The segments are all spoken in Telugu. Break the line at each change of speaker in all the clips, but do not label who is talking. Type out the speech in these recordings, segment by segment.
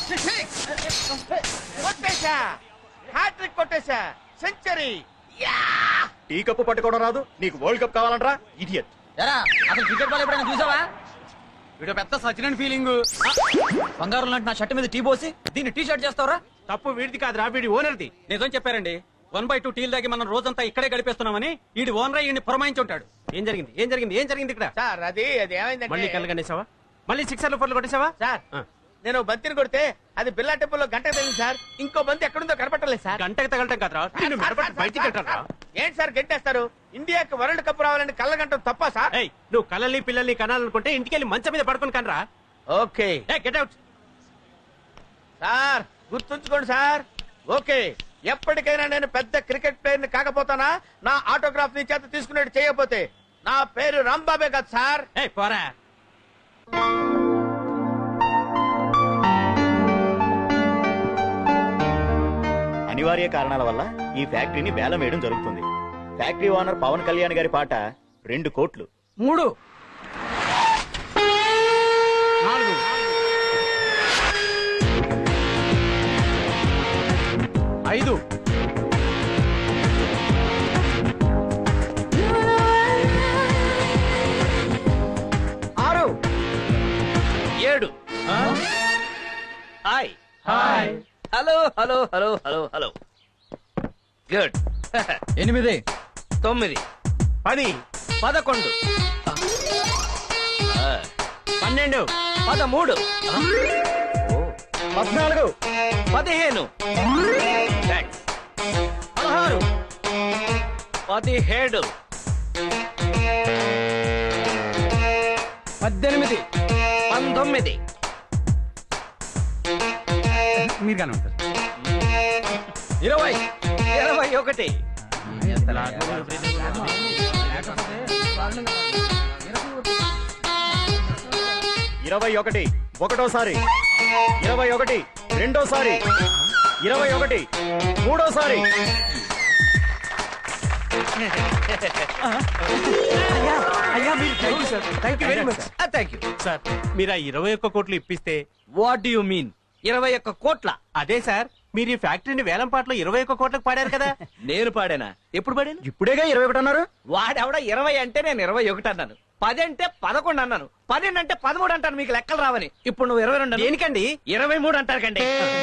కొట్టేశా, హ్యాట్రిక్ కొట్టేశా, సెంచరీ.
టీ కప్పు పట్టుకోవడం రాదు, నీకు వరల్డ్ కప్ కావాలంటరా ఇడియట్.
ఎరా అసలు క్రికెట్ బాల్ ఎప్పుడైనా చూసావా? వీడు పెద్ద సచిన్ ఫీలింగ్. బంగారం లాంటి నా షర్ట్ మీద టీ పోసి దీన్ని టీ షర్ట్ చేస్తావరా?
తప్పు వీడిది కాదురా, వీడి ఓనర్ది. నిజం చెప్పారండి. 1/2 టీల్ దాగి మనం రోజంతా ఇక్కడే గడిపేస్తున్నామని వీడి ఓనర్ ఈయన్ని పురమాయించి ఉంటాడు. ఏం జరిగింది ఏం జరిగింది ఏం జరిగింది ఇక్కడ?
సార్ అది ఏమైందంటే
మళ్ళీ కళ్ళగనేసావా? మళ్ళీ 6 4 కొట్టేసావా?
సార్ నేను బంతిని కొడితే అది బిల్లా టెంపుల్లో గంట తగిలింది సార్. ఇంకో బంతి ఎక్కడుందో కనపట్టలేదు సార్.
గంటకి తగలటం కదరా, నిన్ను మెడపట్టి బయటికి వెళ్తారా?
ఏంటి సార్ గంటేస్తారు? ఇండియాకి వరల్డ్ కప్ రావాలని కళ్ళ గంట తప్ప సార్?
ఏయ్, నువ్వు కళ్ళని పిల్లల్ని కనాలనుకుంటే ఇంటికి వెళ్ళి మంచం మీద పడుకుని కనరా.
Okay
get out.
సార్ గుర్తుంచుకోండి సార్. ఓకే, ఎప్పటికైనా నేను పెద్ద క్రికెట్ ప్లేయర్ ని కాకపోతానా నా ఆటోగ్రాఫ్ నీ చేత తీసుకునేట్టు చేయకపోతే నా పేరు రాంబాబే కదా సార్.
ఏయ్ పోరా.
అనివార్య కారణాల వల్ల ఈ ఫ్యాక్టరీని వేలం వేయడం జరుగుతుంది. ఫ్యాక్టరీ ఓనర్ పవన్ కళ్యాణ్ గారి పాట 2 కోట్లు.
3
4 5
6 7 hi
hi
hello hello hello hello hello good
8
9
10
11
12
13
14
15 thanks 16 17
18
19
మీరు కానీ ఉంటారు.
20 21
21 ఒకటోసారి, 21 రెండోసారి, 21 మూడోసారి.
అయ్యా మీరు thank you sir, thank you very much.
Thank you
sir మీరు ఆ 21 కోట్లు ఇప్పిస్తే.
వాట్ డు యు మీన్ 21 కోట్ల?
అదే సార్, మీరు ఈ ఫ్యాక్టరీని వేలం పాటలో 21 కోట్లకు పాడారు కదా.
నేను పాడానా? ఎప్పుడు పాడాను?
ఇప్పుడేగా 21 అన్నారు.
వాడెవడ 20 అంటే నేను 21 అన్నాను. 10 అంటే 11 అన్నాను. 12 అంటే 13 అంటాను. మీకు లెక్కలు రావని. ఇప్పుడు నువ్వు 22
దేనికండి?
23 అంటారు కండి.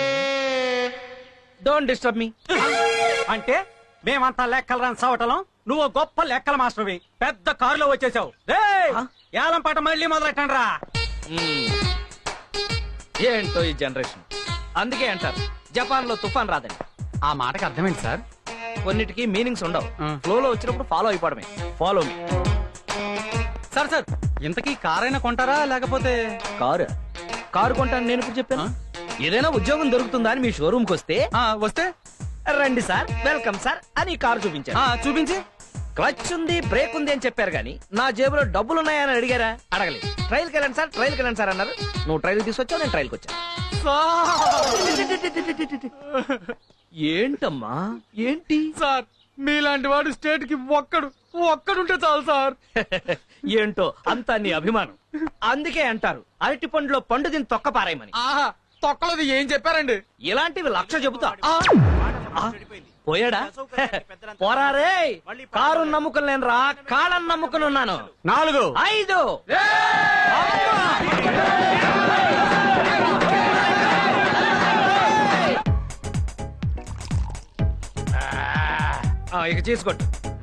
Don't disturb me.
అంటే మేమంతా లెక్కలు రాని సవటలం, నువ్వు గొప్ప లెక్కల మాస్టర్వి. పెద్ద కారులో వచ్చేసావు. ఏలం పాట మళ్ళీ మొదలెట్టండి రా.
ఏంటో ఈ జనరేషన్. అందుకే అంటారు జపాన్ లో తుఫాన్ రాదని.
ఆ మాటకి అర్థమైంది సార్.
కొన్నిటికి మీనింగ్స్ ఉండవు. ఫ్లోలో వచ్చినప్పుడు ఫాలో అయిపోవడమే. Follow me.
సార్ సార్ ఇంతకీ కారైనా కొంటారా లేకపోతే?
కారు కొంటాను నేను ఇప్పుడు చెప్పాను. ఏదైనా ఉద్యోగం దొరుకుతుందా అని మీ షోరూమ్ కి వస్తే
వస్తే
రండి సార్, వెల్కమ్ సార్ అని కారు చూపించారు.
చూపించి
క్లచ్ ఉంది, బ్రేక్ ఉంది అని చెప్పారు కానీ నా జేబులో డబ్బులు ఉన్నాయని అడిగారా? అడగలేదు. ట్రైల్కి వెళ్ళండి సార్, ట్రైల్కి వెళ్ళండి సార్ అన్నారు. నువ్వు ట్రైల్ తీసుకొచ్చావు, నేను ట్రైల్కి వచ్చాను. ఏంటమ్మా ఏంటి?
సార్ మీలాంటి వాడు స్టేట్ కి ఒక్కడుంటే చాలు సార్.
ఏంటో అంతా నీ అభిమానం. అందుకే అంటారు అరటి పండులో పండు దీన్ని తొక్క పారాయమని.
ఆహా తొక్కలది ఏం చెప్పారండి?
ఇలాంటివి 1,00,000 చెబుతా. పోయాడా? పోరారే. కారు నమ్ముకుని నేను రా, కాళ్ళని నమ్ముకుని ఉన్నాను.
4
5 ఇక చేసుకోట్టు.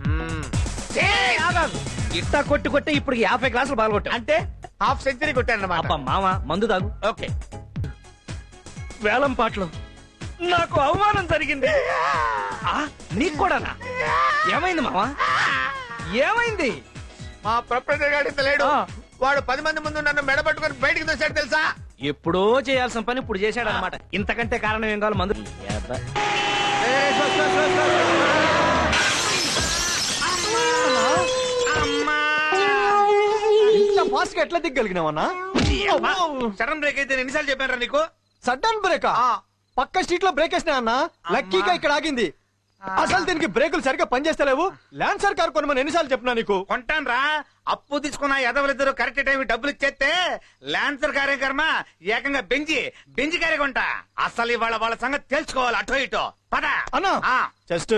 ఇట్టా కొట్టి కొట్టి ఇప్పుడు 50 గ్లాసులు బాగా అంటే హాఫ్ సెంచరీ కొట్టానన్నమాట. మామ మందు తాగు. ఓకే. వేలం పాటలో నాకు అవమానం జరిగింది. నీకు కూడానా? ఏమైంది మామ? ఏమైంది? మా ప్రొపరేటర్ గాడి లేడు. వాడు 10 మంది ముందు నన్ను మెడబట్టుకుని బయటికి తెచ్చాడు తెలుసా? ఎప్పుడో చేయాల్సిన పని ఇప్పుడు చేశాడు అనమాట. ఇంతకంటే కారణం ఏం కావాలి? మందు.
ఫాస్ట్ గా ఎట్లా దిగ్గలిగినావన్నా?
సడన్ బ్రేక్ అయితే ఎన్నిసార్లు చెప్పారా నీకు?
సడన్ బ్రేక్ పక్క స్ట్రీట్ లో బ్రేక్ వేసినా అన్న. లక్కీగా ఇక్కడ ఆగింది.
అసలు దీనికి బ్రేకులు సరిగ్గా పనిచేస్తలేవు. ల్యాన్సర్ కార్ కొనమని ఎన్నిసార్లు చెప్పినా నీకు?
కొంటాను రా. అప్పు తీసుకున్న ఎదవలిద్దరు కరెక్ట్ టైం డబ్బులు ఇచ్చేస్తే లాన్సర్ కార్యక్రమ ఏకంగా బెంజి కారే కొంటా. అసలు ఇవాళ వాళ్ళ సంగతి తెలుసుకోవాలి. అటో ఇటో పద
అన్నా
ఆ.
జస్ట్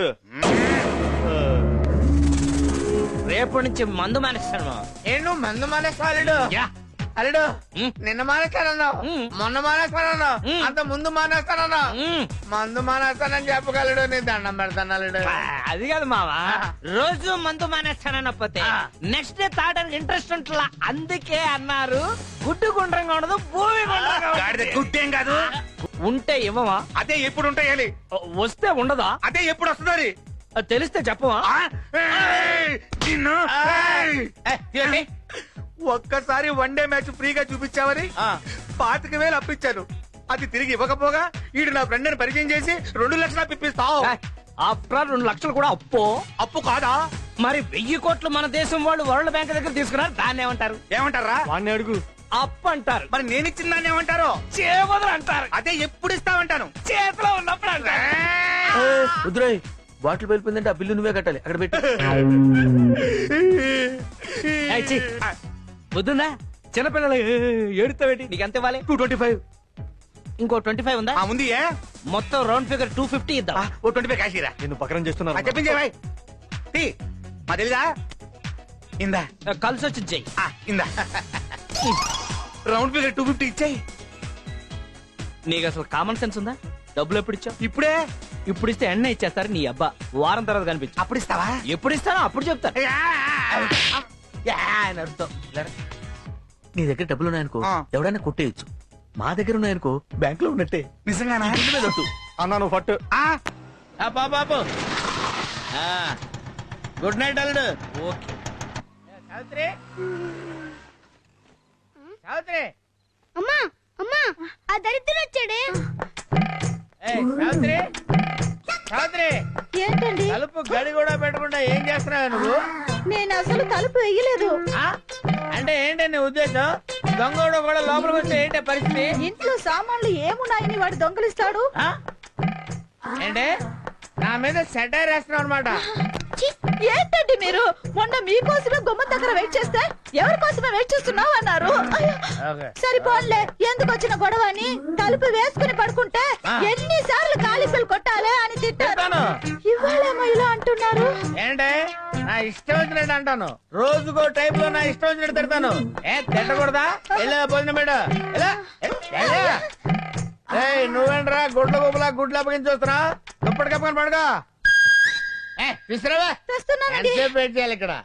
రేపటి నుంచి మందు మానేస్తాను.
నేను మందు మానేస్తాడు.
యా.
అల్లుడు
ఉమ్.
నిన్న మానేస్తానన్నావు, మొన్న మానేస్తానన్నావు, అంత ముందు మానేస్తానన్నావు. మందు మానేస్తానని చెప్పగలడు. నీ దండం పెడతాను అల్లుడు.
అది కాదు మావా, రోజు మందు మానేస్తానకపోతే నెక్స్ట్ డే తాగడానికి ఇంట్రెస్ట్ ఉంటుందా? అందుకే అన్నారు గుడ్డు గుండ్రంగా ఉండదు, భూమి గుండ్రంగా
గాడిద
ఉంటుంది.
గుడ్డేం కాదు.
ఉంటే ఇవ్వవా?
అదే ఎప్పుడు ఉంటాయాలి,
వస్తే ఉండదా?
అదే ఎప్పుడు వస్తుంది.
అది తెలిస్తే చెప్పవా?
ఒక్కసారి వన్ డే మ్యాచ్ ఫ్రీగా చూపించావని 25,000 అప్పించాను. అది తిరిగి ఇవ్వకపోగా ఈడు నా ఫ్రెండ్ ని పరిచయం చేసి 2 లక్షలు అప్పిస్తావు.
ఆఫ్టర్ 2 లక్షలు కూడా అప్పు.
అప్పు కాదా?
మరి 1000 కోట్లు మన దేశం వాళ్ళు వరల్డ్ బ్యాంక్ దగ్గర తీసుకున్నారు, దాన్ని ఏమంటారు?
ఏమంటారా?
వాడిని అడుగు.
అప్పు అంటారు.
మరి నేను ఇచ్చిన దాన్ని ఏమంటారు?
చేవదులు అంటారు.
అదే ఎప్పుడు ఇస్తామంటాను.
చేతిలో ఉన్నప్పుడు అంటారు.
రుద్రాయ్ బాటిల్ వెళ్ళిపోయిందంటే ఆ బిల్లు నువ్వే కట్టాలి. అక్కడ పెట్టి
ఏయ్, ఛీ. వద్దుందా? చిన్నపిల్లలు ఏడుతావేటి? నీకు ఎంత ఇవ్వాలి?
225.
ఇంకో 25 ఉందా?
ఉంది.
మొత్తం రౌండ్ ఫిగర్ 250 ఇద్దాం.
ఓ 25 కాశీరా.
నిన్ను పకరం చేస్తున్నారు.
చెప్పించే భాయ్. మా తెలీదా? ఇందా
కలిసి వచ్చి చెయ్యి.
ఇందా రౌండ్ ఫిగర్ 250 ఇచ్చాయి.
నీకు అసలు కామన్ సెన్స్ ఉందా? డబ్బులు ఎప్పుడు ఇచ్చావు?
ఇప్పుడే.
ఇప్పుడు ఇస్తే ఎన్న ఇచ్చేస్తారు నీ అబ్బా. వారం తర్వాత కనిపించు.
అప్పుడు ఇస్తావా?
ఎప్పుడు ఇస్తానో అప్పుడు చెప్తాను. అని అర్థం.
నీ దగ్గర డబ్బులు ఉన్నాయనుకో
ఆ.
ఎవడైనా కొట్టేయచ్చు. మా దగ్గర ఉన్నాయనుకో బ్యాంక్ లో ఉన్నట్టే.
నిజంగానా?
అన్నా నువ్వు ఫట్.
బాబు గుడ్ నైట్ అల్లుడు. ఓకే.
సావిత్రి, సావిత్రి,
అమ్మా అమ్మా ఆ దరిద్రుడు వచ్చాడే.
సావిత్రి, సావిత్రి,
ఏంటండి?
తలుపు గడి కూడా పెట్టకుండా ఏం చేస్తున్నావు నువ్వు?
నేను అసలు తలుపు వేయలేదు.
అంటే ఏంటి నీ ఉద్దేశం? దొంగోడు కూడా లోపలికి వస్తే ఏంటి పరిస్థితి?
ఇంట్లో సామాన్లు ఏమున్నాయని వాడు దొంగలిస్తాడు.
ఏంటి నా మీద సెటైర్ వేస్తున్నావు అనమాట?
ఛీ, ఏంటండి మీరు? మొన్న మీకోసమే గుమ్మం దగ్గర వెయిట్ చేస్తే ఎవరి కోసమే వెయిట్ చేస్తున్నావు అన్నారు. అయ్యో, సరిపోన్లే, ఎందుకు వచ్చిన గొడవ అని తలుపు వేసుకుని పడుకుంటే ఎన్నిసార్లు కాలిఫీలు కొట్టాలి అని తిట్టాను. ఇవాళేమో ఇలా అంటున్నారు.
ఏంటి నా ఇష్టం వచ్చినట్టు అంటాను, రోజుకో టైప్ లో నా ఇష్టం వచ్చినట్టు తిడతాను. తిట్టకూడదా? వెళ్ళా భోజనం పెట్ట. నువ్వేంట్రా గుడ్ల గుబులా గుడ్లు అప్పగించి వస్తున్నా? దుప్పటి కప్పుకొని పడుకో. విసిరావా?
తెస్తున్నానండి.
ఎంతసేపు వెయిట్ చేయాలి ఇక్కడ?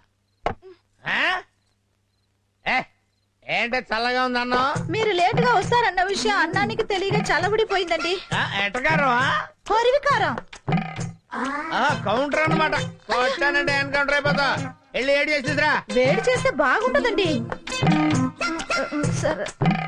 ఏంటి చల్లగా ఉంది అన్నం?
మీరు లేటుగా వస్తారన్న విషయం అన్నానికి తెలియక చల్లబడిపోయిందండి.
ఎట్టకారం?
హరివికారం.
కౌంటర్ అన్నమాట. కొట్టానంటే ఎన్కౌంటర్ అయిపోతా. వెళ్ళి ఏడు చేసి తీసురా.
వేడి చేస్తే బాగుంటదండి. సరే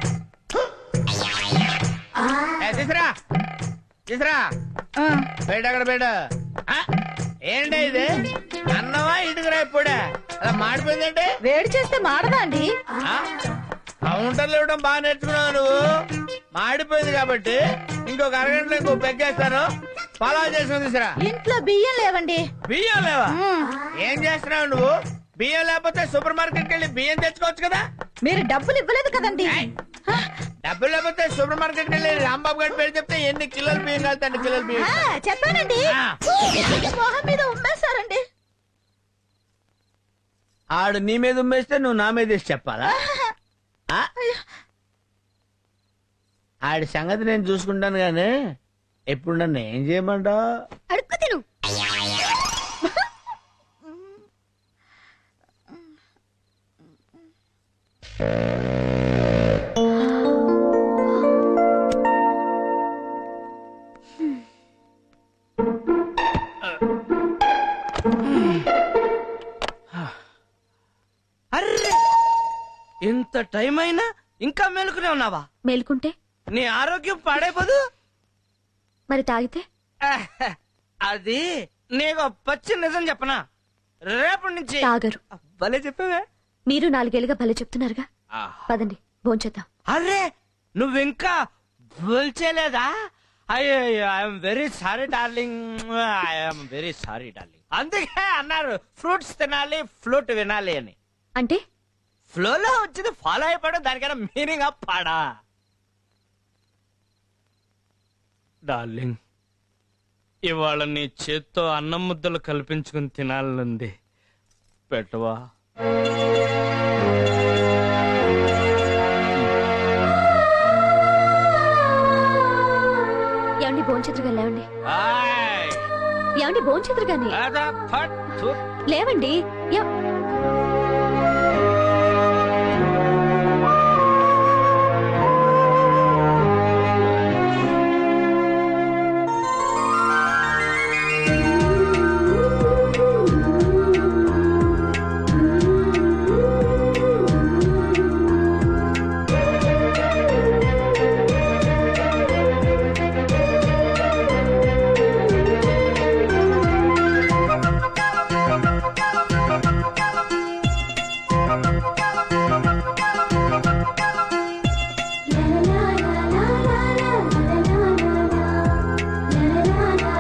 తీసురా, తీసురా. బయట అక్కడ బయట. ఏంటి ఇది? అన్నమా ఇటుకురా? ఇప్పుడే అలా మాడిపోయిందంటే
వేడి చేస్తే మాడదా అండి?
కౌంటర్లు ఇవ్వడం బాగా నేర్చుకున్నావు నువ్వు. మాడిపోయింది కాబట్టి ఇంకొక అరగంటలో ఇంకో పెగ్గేస్తాను. ఫాలో చేసుకుని తీసురా.
ఇంట్లో బియ్యం లేవండి.
బియ్యం లేవా? ఏం చేస్తున్నావు నువ్వు? బియ్యం లేకపోతే సూపర్ మార్కెట్ వెళ్ళి బియ్యం తెచ్చుకోవచ్చు కదా.
మీరు డబ్బులు ఇవ్వలేదు కదండి.
డబ్బులు లేకపోతే సూపర్ మార్కెట్ వెళ్ళి రాంబాబు గారి పేరు చెప్తే ఎన్ని కిలోలు బియ్యం కాదు, 2 కిలోలు బియ్యం.
చెప్పానండి. మొహం మీద ఉమ్మేశారండి.
ఆడు నీ మీద ఉమ్మేస్తే నువ్వు నా మీద వేసి చెప్పాలా? ఆడి సంగతి నేను చూసుకుంటాను గానీ ఎప్పుడు నన్ను ఏం చేయమంటావు?
అడుక్కు తిను.
అర్రే, ఇంత టైం అయినా ఇంకా మేలుకునే ఉన్నావా?
మేలుకుంటే
నీ ఆరోగ్యం పాడైపోదు.
మరి తాగితే
అది నీకు పచ్చి నిజం చెప్పనా? రేపటి నుంచి
తాగరు.
భలే చెప్పావే.
మీరు 4 ఏళ్ళుగా భలే చెప్తున్నారుగా. పదండి భోంచేద్దాం.
అరే, నువ్వింకా భోల్చేలేదా? అయ్యో I'm very sorry darling, I'm very sorry darling. అందుకే అన్నారు ఫ్రూట్స్ తినాలి ఫ్లూట్ వినాలి అని.
అంటే
ఫ్లోలో వచ్చింది ఫాలో అయిపోవడం, దానికైనా మీనింగ్ పాడా. డార్లింగ్, ఇవాళ నీ చేత్తో అన్నం ముద్దలు కల్పించుకుని తినాలనుంది, పెట్టవా?
ఏమండి భోంచేతురుగా లేవండి.
ఆయ్,
ఏమండి భోంచేతురుగాని
అదా, ఫట్, థు.
లేవండి.